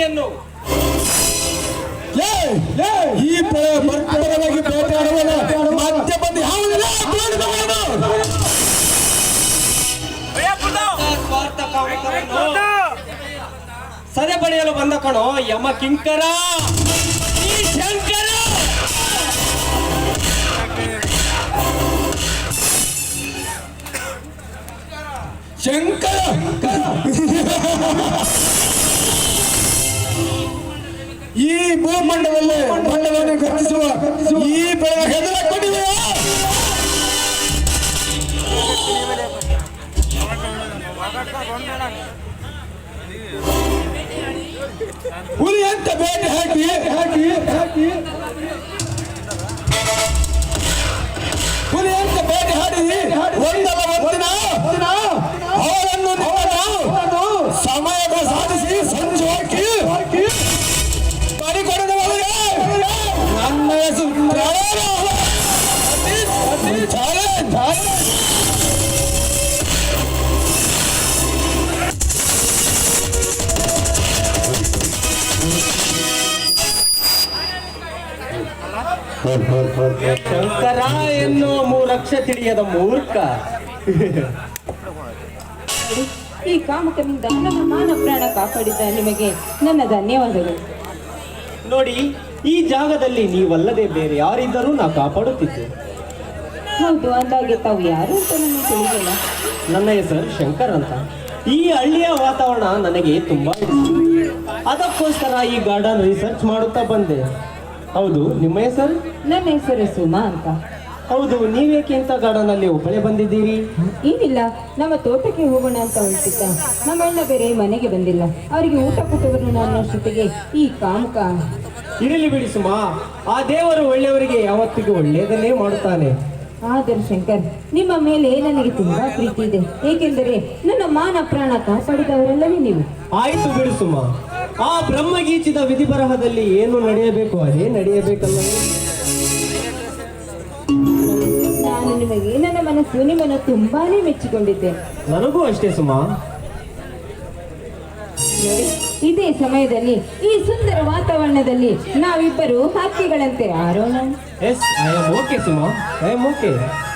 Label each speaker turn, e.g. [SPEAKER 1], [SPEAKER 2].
[SPEAKER 1] ಸೇನೆಯನ್ನು
[SPEAKER 2] ಈ ಬರ್ಬರವಾಗಿ ಬೇಟೆಯಾಡುವಲ್ಲ ಮತ್ತೆ ಬಂದು ಯಾವುದಿಲ್ಲ
[SPEAKER 1] ಸ್ವಾರ್ಥ ಕಾಮಕರನ್ನು ಸದೆ ಪಡೆಯಲು ಬಂದ ಕಣೋ ಯಮ ಕಿಂಕರ ಈ ಶಂಕರ.
[SPEAKER 2] ಶಂಕರ ಈ ಭೂಮಂಡಲದಲ್ಲಿ ಮಂಡಲವನ್ನು ಗರ್ಜಿಸುವ ಈ ಬೆಳೆ ಹೆದರಕೊಂಡಿದೆಯಾ? ಹುಲಿ ಅಂತ ಬೇಟೆ ಹಾಕಿ ಹಾಕಿ ಹಾಕಿ ಹುಲಿ ಅಂತ ಬೇಟೆ ಹಾಡಿ ಒಂದಲ್ಲ ಒಂದಿನ ಅವರನ್ನು ಸಮಯದ ಸಾಧಿಸಿ ಸಂಜೆ ಹಾಕಿ ಪರಿಕೊಡದವರಿಗೆ ನನ್ನ ಹೆಸರು
[SPEAKER 1] ಶಂಕರ ಎನ್ನುವ ಮೂರಕ್ಷ ತಿಳಿಯದ ಮೂರ್ಖ.
[SPEAKER 3] ಈ ಕಾಮಕನಿಂದ ನನ್ನ ಮಾನ ಪ್ರಾಣ ಕಾಪಾಡಿದ ನಿಮಗೆ ನನ್ನ ಧನ್ಯವಾದಗಳು.
[SPEAKER 1] ನೋಡಿ, ಈ ಜಾಗದಲ್ಲಿ ನೀವಲ್ಲದೆ ಬೇರೆ ಯಾರಿದ್ದರೂ ನಾ ಕಾಪಾಡುತ್ತಿದ್ದೆ.
[SPEAKER 3] ಹೌದು, ಅಂದಾಗೆ ತಾವು ಯಾರು ಅಂತ ನನಗೆ ತಿಳಿದಿಲ್ಲ.
[SPEAKER 1] ನನ್ನ ಹೆಸರು ಶಂಕರ್ ಅಂತ. ಈ ಹಳ್ಳಿಯ ವಾತಾವರಣ ನನಗೆ ತುಂಬಾ ಇಷ್ಟ. ಅದಕ್ಕೋಸ್ಕರ ಈ ಗಾರ್ಡನ್ ರಿಸರ್ಚ್ ಮಾಡುತ್ತಾ ಬಂದೆ. ಹೌದು, ನಿಮ್ಮ ಹೆಸರು?
[SPEAKER 3] ನನ್ನ ಹೆಸರು ಸುಮಾ ಅಂತ.
[SPEAKER 1] ಹೌದು, ನೀವೇಕೆ ಇಂಥ ಗಾರ್ಡನ್ ಅಲ್ಲಿ ಒಬ್ಬಳೇ ಬಂದಿದ್ದೀರಿ?
[SPEAKER 3] ಏನಿಲ್ಲ, ನಮ್ಮ ತೋಟಕ್ಕೆ ಹೋಗೋಣ ಅಂತ ಹೊರಟಿದ್ದ. ನಮ್ಮ ಅಣ್ಣ ಬೇರೆ ಮನೆಗೆ ಬಂದಿಲ್ಲ, ಅವರಿಗೆ ಊಟ ಕೊಟ್ಟವರು ಅನ್ನೋಷ್ಟೊತ್ತಿಗೆ ಈ ಕಾಮಕ.
[SPEAKER 1] ಇರಲಿ ಬಿಡಿ ಸುಮಾ, ಆ ದೇವರು ಒಳ್ಳೆಯವರಿಗೆ ಯಾವತ್ತಿಗೂ ಒಳ್ಳೆಯದನ್ನೇ ಮಾಡುತ್ತಾನೆ.
[SPEAKER 3] ಆದರೆ ಶಂಕರ್, ನಿಮ್ಮ ಮೇಲೆ ನನಗೆ ತುಂಬಾ ಪ್ರೀತಿ ಇದೆ. ಏಕೆಂದರೆ ನನ್ನ ಮಾನ ಪ್ರಾಣ ಕಾಪಾಡಿದವರೆಲ್ಲವೇ ನೀವು.
[SPEAKER 1] ಆಯ್ತು ಬಿಡು ಸುಮಾ, ಆ ಬ್ರಹ್ಮಗೀಚಿದ ವಿಧಿ ಬರಹದಲ್ಲಿ ಏನು ನಡೆಯಬೇಕು ಅದೇ ನಡೆಯಬೇಕಲ್ಲವೇ?
[SPEAKER 3] ನಾನು ನಿಮಗೆ ನನ್ನ ಮನಸ್ಸು ನಿಮ್ಮನ್ನು ತುಂಬಾನೇ ಮೆಚ್ಚಿಕೊಂಡಿದ್ದೆ.
[SPEAKER 1] ನನಗೂ ಅಷ್ಟೇ ಸುಮಾ.
[SPEAKER 3] ನೋಡಿ, ಇದೇ ಸಮಯದಲ್ಲಿ ಈ ಸುಂದರ ವಾತಾವರಣದಲ್ಲಿ ನಾವಿಬ್ಬರು ಹಕ್ಕಿಗಳಂತೆ ಆರೋಣ.
[SPEAKER 1] Yes, I am okay Suma, I am okay.